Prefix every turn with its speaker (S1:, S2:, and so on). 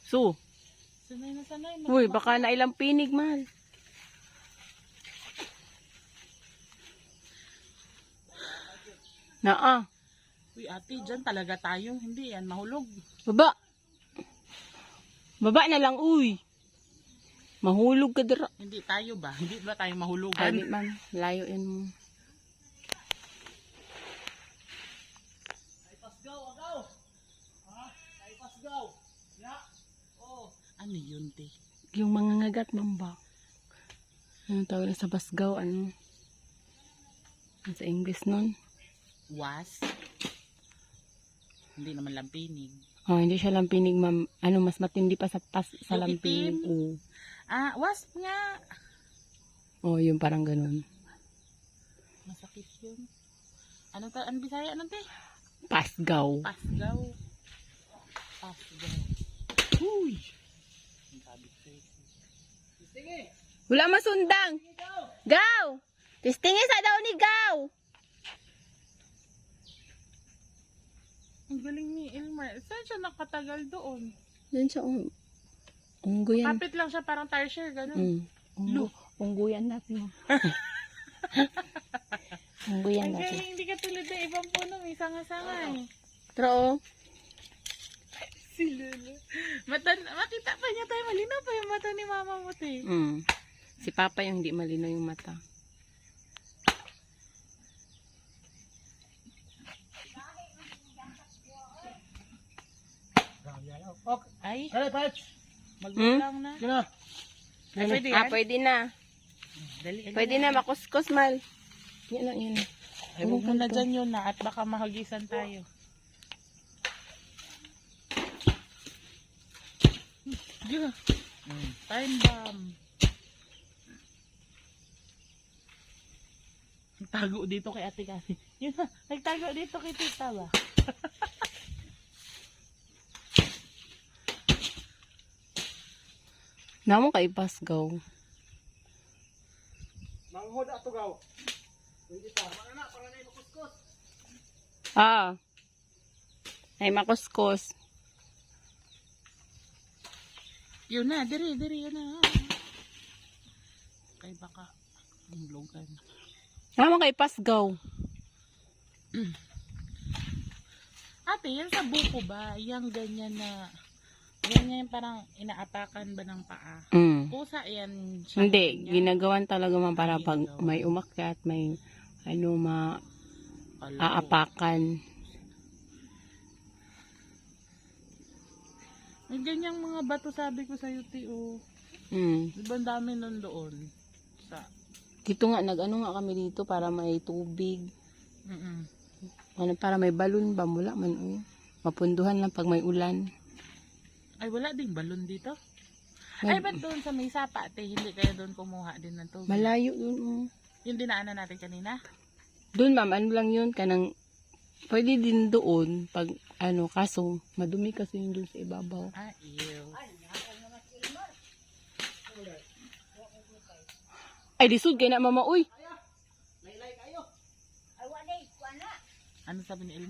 S1: So.
S2: Sanay na sanay.
S1: Uy, baka na ilang pinig, mahal. Naa.
S2: Uy, ate, dyan talaga tayo. Hindi yan, mahulog.
S1: Baba. Baba na lang, uy. Mahulog ka dira.
S2: Hindi tayo ba? Hindi ba tayo mahulugan?
S1: Ay, di man. Layo yan mo.
S2: Ay, pasgaw, agaw! Ha? Ay, pasgaw! Ya! Oh. Ano yun, te?
S1: Yung mga ngagat, mamba. Ano tawag na sa basgaw, ano? Sa English nun.
S2: Was? Hindi naman lampinig.
S1: Oh, hindi siya lampinig, ma'am. Ano, mas matindi pa sa
S2: Yung
S1: lampinig.
S2: itim?
S1: Oo.
S2: Ah, was nga.
S1: Oh, yung parang ganun.
S2: Masakit yun. Ano ta? Ano Bisaya? Ano, te?
S1: Pasgaw.
S2: Pasgaw. Pasgaw. Uy! Ang sabi ko sa'yo. Sige!
S1: Wala masundang. Gaw! Tistingin sa daw ni Gaw.
S2: Ang galing ni Elmer. Saan siya nakatagal doon?
S1: Yan siya, unggo yan.
S2: Kapit lang siya, parang tire share, gano'n.
S1: Unggo yan natin. Unggo yan
S2: Ang
S1: natin.
S2: galing, hindi ka tulad ng ibang puno, may sanga-sanga eh.
S1: Pero,
S2: Si Lula. Makita pa niya tayo, malinaw pa yung mata ni mama mo, te.
S1: si Papa yung hindi malinaw yung mata.
S2: Ay,
S3: Kaya, Pats!
S2: maglulang na.
S3: Kaya!
S2: Ay, pwede yan?
S1: Pwede na.
S2: Dali,
S1: Pwede na, makuskus, mal. Yan lang, yan.
S2: Ay, huwag mo na dyan yun na at baka mahagisan tayo. Yeah. Time bomb. Nagtago dito kay ate kasi. Yun na, nagtago dito kay tita ba?
S1: Namo kay Pasgaw.
S3: Manghod ato gaw. Hindi pa. Mga na, para na yung kuskus.
S1: Ay, makuskus.
S2: Yun na, diri, yun na. Kay baka hulugan.
S1: Namo kay Pasgaw.
S2: Ate, yan sa buko ba? Yang ganyan na, ganyan parang inaapakan ba ng paa? Pusa yan siya.
S1: Hindi,
S2: ganyan?
S1: ginagawan talaga man para
S2: Ay,
S1: pag
S2: ginagawa.
S1: may umakyat, may ano,
S2: Kala ko.
S1: aapakan.
S2: May ganyang mga bato sabi ko sa UTO. Di ba ang dami nun doon? Sa,
S1: Dito nga, nag-ano nga kami dito para may tubig.
S2: mm
S1: Ano, para may balon ba? Wala man, uy. Mapunduhan lang pag may ulan.
S2: Ay, wala ding balon dito?
S1: May-
S2: Ay, ba't doon sa may sapa, te? Hindi kayo doon kumuha din ng tubig?
S1: Malayo yun, oh.
S2: Yung dinaanan natin kanina?
S1: Doon, ma'am, ano lang yun, kanang, pwede din doon, pag, ano, kaso, madumi kasi yun doon sa ibabaw.
S2: Ah, ew.
S1: Ay, lisod, kaya na, mama, uy.
S2: Ano sabi ni Elmer?